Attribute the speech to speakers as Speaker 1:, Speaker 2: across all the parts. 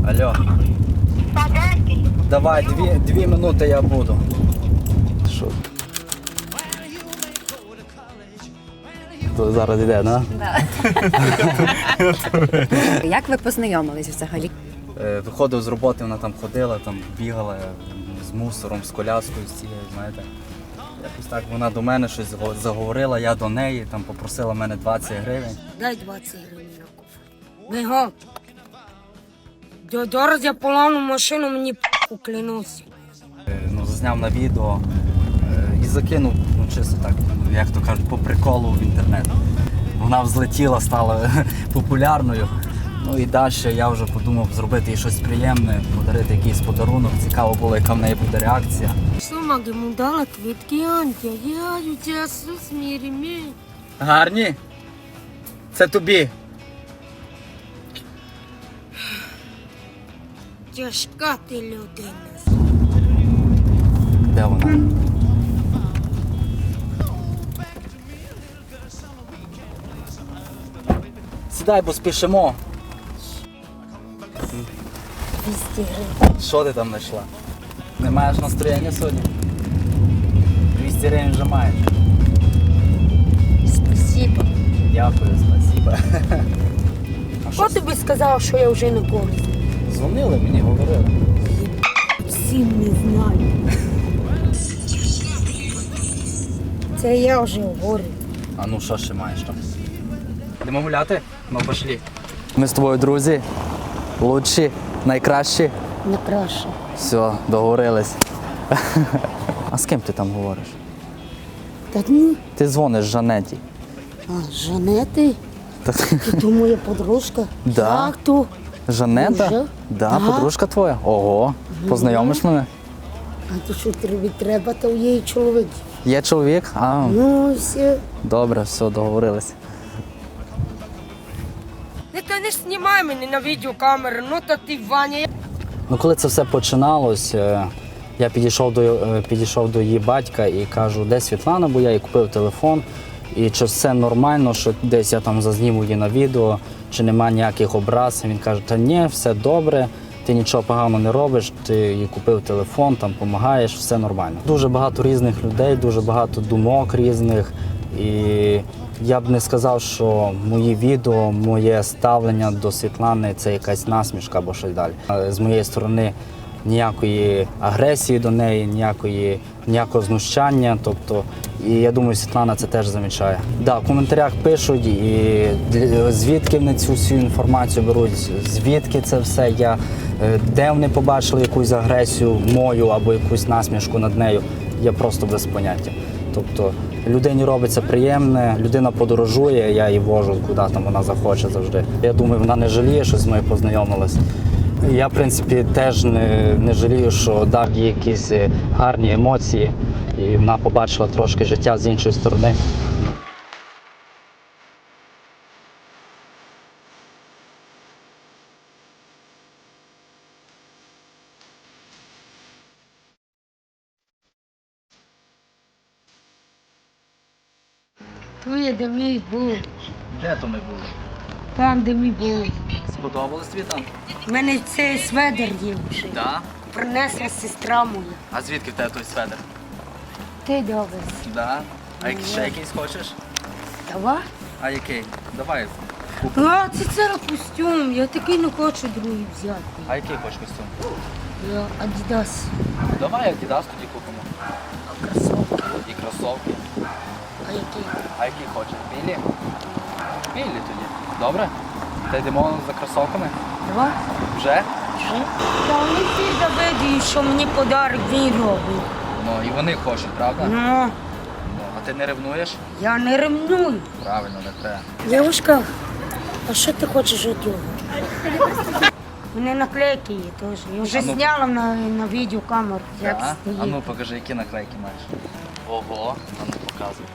Speaker 1: Алло. Давай, дві минути я буду. Що? То зараз йде, да?
Speaker 2: Да. Як ви познайомились взагалі?
Speaker 1: Виходив з роботи, вона там ходила, там бігала з мусором, з коляскою, з цією, знаєте. Якось так вона до мене щось заговорила, я до неї, там попросила мене 20 гривень.
Speaker 3: Дай 20 гривень на кофе. Бігом. Зараз я поламну машину, мені клянуся.
Speaker 1: Зазняв на відео і закинув, чисто так, як то кажуть, по приколу в інтернет. Вона взлетіла, стала популярною. Ну і далі я вже подумав зробити їй щось приємне, подарити якийсь подарунок. Цікаво було, яка в неї буде реакція.
Speaker 3: Сума йому дала квітки, Антя, я у тебе смірі.
Speaker 1: Гарні? Це тобі.
Speaker 3: Тяжка ти людина.
Speaker 1: Де вона? Сідай, бо спішимо.
Speaker 3: 200 гривень.
Speaker 1: Що ти там знайшла? Не маєш настроєння сьогодні? 200 гривень вже маєш.
Speaker 3: Спасибо.
Speaker 1: Дякую, спасибо.
Speaker 3: Хто тобі сказав, що я вже не користь?
Speaker 1: Дзвонили мені, говорили.
Speaker 3: Всім не знаю. Це я вже говорю.
Speaker 1: А ну що ще маєш там? Йдемо гуляти? Ну пошли. Ми з тобою друзі. Лучші, найкращі.
Speaker 3: Не краще.
Speaker 1: Все, договорились. А з ким ти там говориш?
Speaker 3: Та ні.
Speaker 1: Ти дзвониш Жанеті.
Speaker 3: А, Жанети? Ти то моя подружка?
Speaker 1: Да.
Speaker 3: Як то?
Speaker 1: Жанета?
Speaker 3: Вже?
Speaker 1: Да,
Speaker 3: Да.
Speaker 1: подружка твоя. Ого. Познайомиш мене?
Speaker 3: А то що тобі треба, то є чоловік.
Speaker 1: Є чоловік? А,
Speaker 3: Ну, все.
Speaker 1: добре, все, договорились.
Speaker 3: Та не знімай мене на відеокамеру, ну то ти, Ваня.
Speaker 1: Ну, коли це все починалось, я підійшов до її батька і кажу, де Світлана, бо я їй купив телефон. І чи все нормально, що десь я там зазніму її на відео, чи нема ніяких образ. Він каже, та ні, все добре, ти нічого поганого не робиш, ти їй купив телефон, там допомагаєш, все нормально. Дуже багато різних людей, дуже багато думок різних. І я б не сказав, що мої відео, моє ставлення до Світлани – це якась насмішка або щось далі. З моєї сторони ніякої агресії до неї, ніякого знущання. Тобто, і я думаю, Світлана це теж замічає. Да, в коментарях пишуть, і звідки вони цю всю інформацію беруть, звідки це все, де вони побачили якусь агресію мою або якусь насмішку над нею, я просто без поняття. Тобто людині робиться приємне, людина подорожує, я її вожу, куди там вона захоче завжди. Я думаю, вона не жаліє, що з мною познайомилась. Я, в принципі, теж не жалію, що дав їй якісь гарні емоції, і вона побачила трошки життя з іншої сторони.
Speaker 3: Твоє, де ми були.
Speaker 1: Де то ми були?
Speaker 3: Там, де ми були.
Speaker 1: Сподобалось тобі там?
Speaker 3: У мене цей сведер є вже.
Speaker 1: Так.
Speaker 3: Принесла сестра моя.
Speaker 1: А звідки в тебе той сведер?
Speaker 3: Ти добре.
Speaker 1: Да. А ще якийсь хочеш?
Speaker 3: Давай.
Speaker 1: А який? Давай.
Speaker 3: А, це костюм. Я такий не хочу другий взяти.
Speaker 1: А який хочеш костюм?
Speaker 3: Я Adidas.
Speaker 1: Давай Adidas тоді купимо.
Speaker 3: А кросовки.
Speaker 1: І кросовки.
Speaker 3: А який?
Speaker 1: А які хочеш? Білі? Білі тоді. Добре? Та йдемо за кросовками?
Speaker 3: Давай.
Speaker 1: Вже?
Speaker 3: Вже? Та вони всі завидують, що мені подарок він робить.
Speaker 1: Ну і вони хочуть, правда?
Speaker 3: Ну,
Speaker 1: Ну, а ти не ревнуєш?
Speaker 3: я не ревную.
Speaker 1: Правильно, не треба.
Speaker 3: Дівушка, а що ти хочеш від нього? У мене наклейки є теж. Я вже
Speaker 1: А ну.
Speaker 3: зняла на відеокамеру, як
Speaker 1: Да?
Speaker 3: стоїть.
Speaker 1: А ну покажи, які наклейки маєш. Ого, а ну показуй.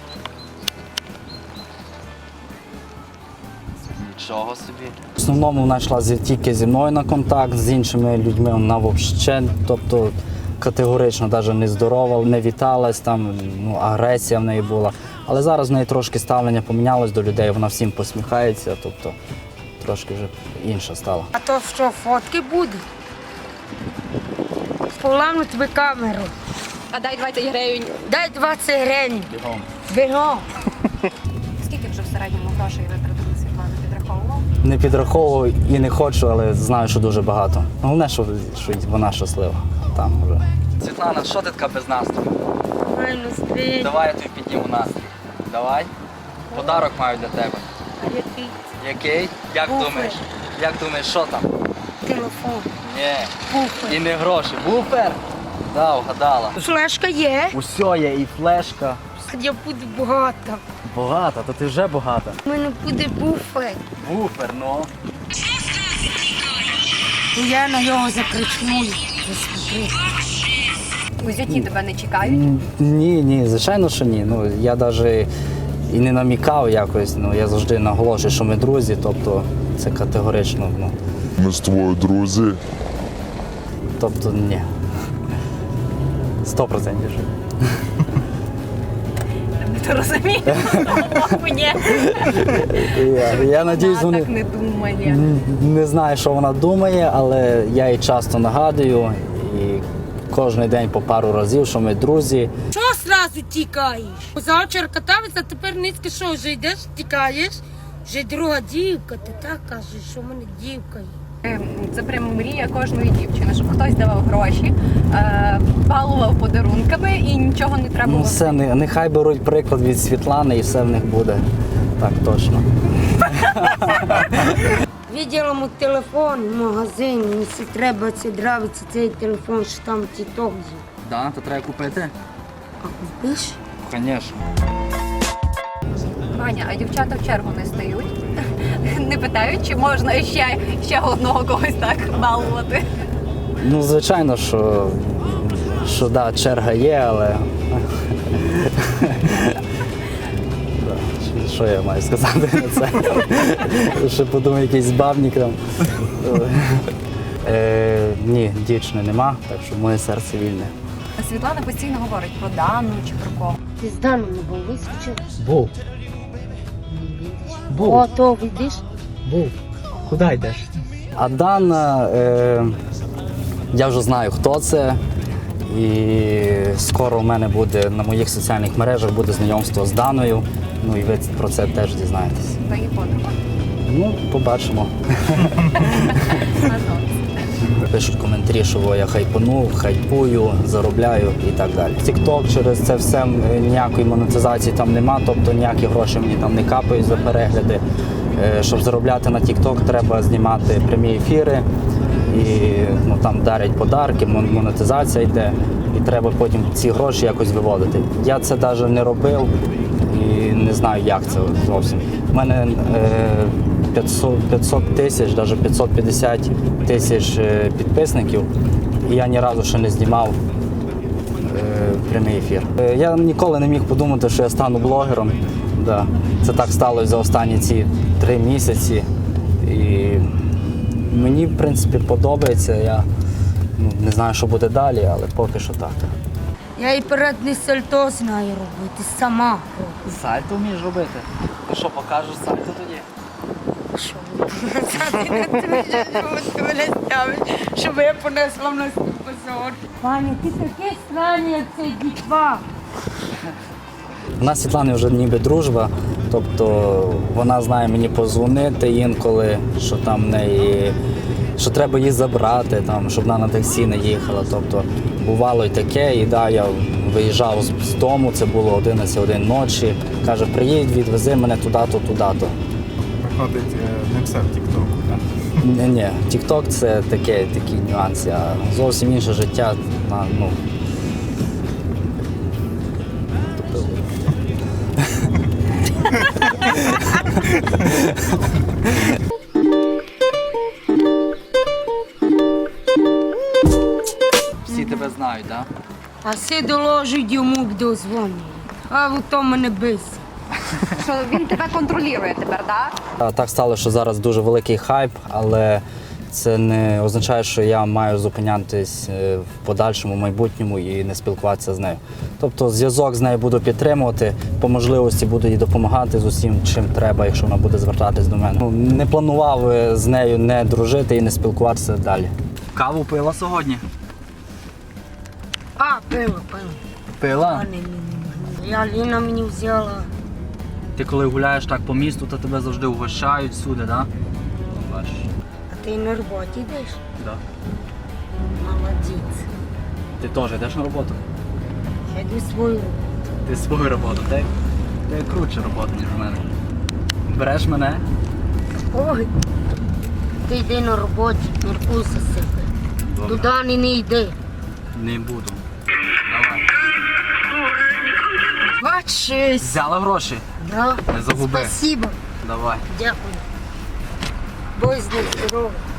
Speaker 1: Нічого собі. В основному вона йшла тільки зі мною на контакт, з іншими людьми вона взагалі, тобто категорично навіть не здорова, не віталась, там, агресія в неї була. Але зараз в неї трошки ставлення помінялось до людей, вона всім посміхається, тобто трошки вже інша стала.
Speaker 3: А то що, фотки будуть? Поламну тобі камеру.
Speaker 2: А дай 20 гривень.
Speaker 3: Дай 20 гривень.
Speaker 1: Бігом.
Speaker 3: Бігом.
Speaker 2: Скільки вже в середньому грошей витратили, Світлана, підраховував?
Speaker 1: Не підраховував і не хочу, але знаю, що дуже багато. Головне, що вона щаслива. Там вже. Світлана, що ти така без настрою?
Speaker 3: Ай, ну стрій.
Speaker 1: Давай я тобі підніму настрій. Давай. Подарок маю для тебе.
Speaker 3: А який?
Speaker 1: Який? Як
Speaker 3: Буфер.
Speaker 1: думаєш? Як думаєш, що там?
Speaker 3: Телефон.
Speaker 1: Ні.
Speaker 3: Буфер.
Speaker 1: І не гроші. Буфер? Да, вгадала.
Speaker 3: Флешка є.
Speaker 1: Усе є, і флешка.
Speaker 3: Я буду багата.
Speaker 1: Багата, то ти вже багата.
Speaker 3: У мене буде буфер.
Speaker 1: Буфер, ну.
Speaker 3: І я на нього закричну. Засмотри.
Speaker 2: У зяті тебе не чекають?
Speaker 1: Ні, звичайно, що ні. Ну, я навіть і не намікав якось, ну, я завжди наголошую, що ми друзі, тобто це категорично, ну,
Speaker 4: Ми з тобою друзі.
Speaker 1: тобто ні. 100%.
Speaker 2: Ти розумієш? Ні.
Speaker 1: Я надіюсь,
Speaker 2: Вона
Speaker 1: вони
Speaker 2: так не думає.
Speaker 1: не знаю, що вона думає, але я їй часто нагадую і кожен день по пару разів, що ми друзі.
Speaker 3: Чого зразу тікаєш? Завчора катався, а тепер низько що, вже йдеш, тікаєш? Вже друга дівка, ти так кажеш, що в мене дівка є.
Speaker 2: Це прямо мрія кожної дівчини, щоб хтось давав гроші, балував подарунками і нічого не треба
Speaker 1: Ну
Speaker 2: було.
Speaker 1: все, нехай беруть приклад від Світлани і все в них буде. Так точно.
Speaker 3: Виділа мій телефон в магазині, якщо треба, це нравиться цей телефон, що там тіток є.
Speaker 1: Да, то треба купити?
Speaker 3: А купиш?
Speaker 1: Звісно.
Speaker 2: Ваня, а дівчата в чергу не стають? Не питають, чи можна ще одного когось так балувати?
Speaker 1: Ну, звичайно, що да, черга є, але. Да, що я маю сказати на це? Ще подумаю, якийсь збавник там. Ні, дівчини нема, так що моє серце вільне.
Speaker 2: Світлана постійно говорить про Дану чи про кого.
Speaker 3: Ти з Даном не був, вискочив?
Speaker 1: Був.
Speaker 3: О, то видиш?
Speaker 1: Був. Куди йдеш? А Дана, я вже знаю, хто це. І скоро у мене буде на моїх соціальних мережах буде знайомство з Даною. Ну і ви про це теж дізнаєтесь.
Speaker 2: Та її подруга.
Speaker 1: Ну, побачимо. Пишуть коментарі, що я хайпанув, хайпую, заробляю і так далі. TikTok через це все ніякої монетизації там нема, тобто ніякі гроші мені там не капають за перегляди. Щоб заробляти на TikTok, треба знімати прямі ефіри і ну, там дарять подарки, монетизація йде, і треба потім ці гроші якось виводити. Я це навіть не робив і не знаю, як це зовсім. У мене 500 тисяч, навіть 550 тисяч підписників, і я ні разу ще не знімав прямий ефір. Я ніколи не міг подумати, що я стану блогером. Да. Це так сталося за останні ці 3 місяці. І мені, в принципі, подобається. Я не знаю, що буде далі, але поки що так.
Speaker 3: Я і передній сальто знаю робити, сама роблю.
Speaker 1: Сальто вмієш робити? Ти що, покажеш сальто тоді?
Speaker 3: Що? Ти мене ставиш, щоб я понесла в нас позор. Пані, ти такий странний, як цей дітва.
Speaker 1: У нас з Світланою вже ніби дружба, тобто вона знає мені позвонити інколи, що там в неї, що треба її забрати, там, щоб вона на таксі не їхала. Тобто бувало й таке, і да, я виїжджав з дому, це було 11 ночі. Каже, приїдь, відвези мене туди-то, туди-то.
Speaker 5: Виходить, не все в Тік-Току, так?
Speaker 1: Ні, TikTok – це такі нюанси, а зовсім інше життя. Ну, всі тебе знають, так?
Speaker 3: А всі доложують йому до дзвоню. А в то мене бис.
Speaker 2: Що він тебе контролює тепер, так?
Speaker 1: Так стало, що зараз дуже великий хайп, але це не означає, що я маю зупинятись в подальшому майбутньому і не спілкуватися з нею. Тобто зв'язок з нею буду підтримувати, по можливості буду їй допомагати з усім, чим треба, якщо вона буде звертатись до мене. Не планував з нею не дружити і не спілкуватися далі. Каву пила сьогодні?
Speaker 3: А, пила.
Speaker 1: Пила?
Speaker 3: Я Ліна мені взяла.
Speaker 1: Ти коли гуляєш так по місту, то тебе завжди угощають всюди, так? Бачиш?
Speaker 3: А ти на роботі йдеш?
Speaker 1: Да.
Speaker 3: Молодець.
Speaker 1: Ти теж йдеш на роботу?
Speaker 3: Я йду свою роботу.
Speaker 1: Ти свою роботу, ти круче роботу, ніж в мене. Береш мене?
Speaker 3: Ой, ти йди на роботі, міркуй за себе.
Speaker 1: Добре.
Speaker 3: Туди не йди.
Speaker 1: Не буду. Давай.
Speaker 3: Бачись.
Speaker 1: Взяла гроші?
Speaker 3: Да.
Speaker 1: Не загуби.
Speaker 3: Спасибо.
Speaker 1: Давай.
Speaker 3: Дякую. Будь здоров.